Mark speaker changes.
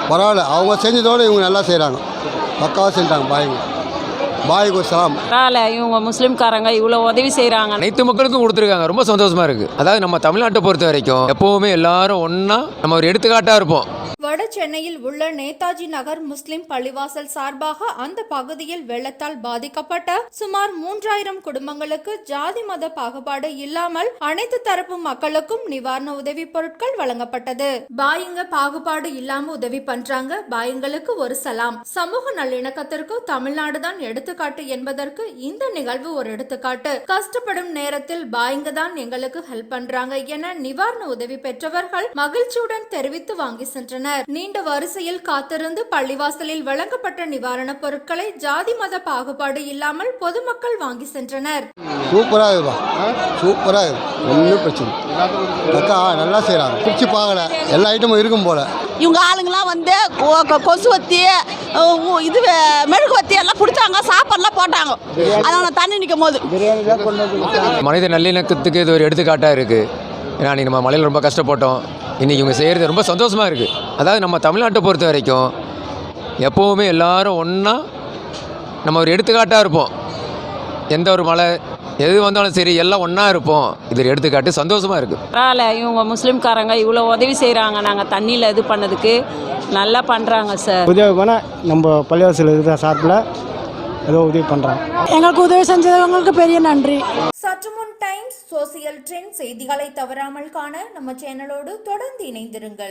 Speaker 1: பரவாயில்ல, அவங்க செஞ்சதோடு இவங்க நல்லா செய்கிறாங்க, பக்காவாக செஞ்சாங்க. பாய்க்கு சலாம்.
Speaker 2: பரவாயில்ல, இவங்க முஸ்லீம்காரங்க இவ்வளோ உதவி செய்கிறாங்க.
Speaker 3: அனைத்து மக்களுக்கும் கொடுத்துருக்காங்க, ரொம்ப சந்தோஷமா இருக்குது. அதாவது நம்ம தமிழ்நாட்டை பொறுத்த வரைக்கும் எப்போவுமே எல்லாரும் ஒன்றா நம்ம ஒரு எடுத்துக்காட்டாக இருப்போம்.
Speaker 4: வட சென்னையில் உள்ள நேதாஜி நகர் முஸ்லிம் பள்ளிவாசல் சார்பாக அந்த பகுதியில் வெள்ளத்தால் பாதிக்கப்பட்ட சுமார் 3000 குடும்பங்களுக்கு ஜாதி மத பாகுபாடு இல்லாமல் அனைத்து தரப்பு மக்களுக்கும் நிவாரண உதவி பொருட்கள் வழங்கப்பட்டது. பாயுங்க பாகுபாடு இல்லாம உதவி பண்றாங்க, பாயுங்களுக்கு ஒரு சலாம். சமூக நல்லிணக்கத்திற்கு தமிழ்நாடு தான் எடுத்துக்காட்டு என்பதற்கு இந்த நிகழ்வு ஒரு எடுத்துக்காட்டு. கஷ்டப்படும் நேரத்தில் பாயுங்க தான் எங்களுக்கு ஹெல்ப் பண்றாங்க என நிவாரண உதவி பெற்றவர்கள் மகிழ்ச்சியுடன் தெரிவித்து வாங்கி சென்றனர். நீண்ட வரிசையில் காத்திருந்து பள்ளிவாசலில் வழங்கப்பட்ட நிவாரண பொருட்களை ஜாதி மத பாகுபாடு இல்லாமல் பொதுமக்கள் வாங்கி சென்றனர்.
Speaker 1: சூப்பராக இருக்கும், சூப்பராக இருக்கும், ஒன்றும் பிரச்சனை அக்கா நல்லா செய்கிறாங்க. பிடிச்சி பார்க்கல, எல்லா ஐட்டமும் இருக்கும் போல.
Speaker 5: இவங்க ஆளுங்கெல்லாம் வந்து கொசுவத்தி இது மெழுகுவத்தி எல்லாம் பிடிச்சாங்க, சாப்பாடுலாம் போட்டாங்க. அதனால தண்ணி நிற்கும் போது
Speaker 3: மனித நல்லிணக்கத்துக்கு இது ஒரு எடுத்துக்காட்டாக இருக்குது. ஏன்னா அன்றைக்கி நம்ம மலையில் ரொம்ப கஷ்டப்பட்டோம், இன்றைக்கி இவங்க செய்கிறது ரொம்ப சந்தோஷமாக இருக்குது. அதாவது நம்ம தமிழ்நாட்டை பொறுத்த வரைக்கும் எப்போவுமே எல்லாரும் ஒன்றா நம்ம ஒரு எடுத்துக்காட்டாக இருப்போம். எந்த ஒரு மழை எது வந்தாலும் சரி எல்லாம் ஒன்றா இருப்போம். இது ஒரு எடுத்துக்காட்டு, சந்தோஷமாக இருக்குது.
Speaker 2: பரவாயில்ல, இவங்க முஸ்லீம்காரங்க இவ்வளோ உதவி செய்கிறாங்க. நாங்கள் தண்ணியில் இது பண்ணதுக்கு நல்லா பண்ணுறாங்க சார்.
Speaker 6: உதவி பண்ணால் நம்ம பள்ளிவாசல் இருக்கிற சார்பில் ஏதோ உதவி பண்ணுறாங்க.
Speaker 7: எங்களுக்கு உதவி செஞ்சவங்களுக்கு பெரிய நன்றி.
Speaker 4: சற்று முன் டைம்ஸ் சோசியல் ட்ரெண்ட் செய்திகளை தவறாமல் காண நம்ம சேனலோடு தொடர்ந்து இணைந்திருங்கள்.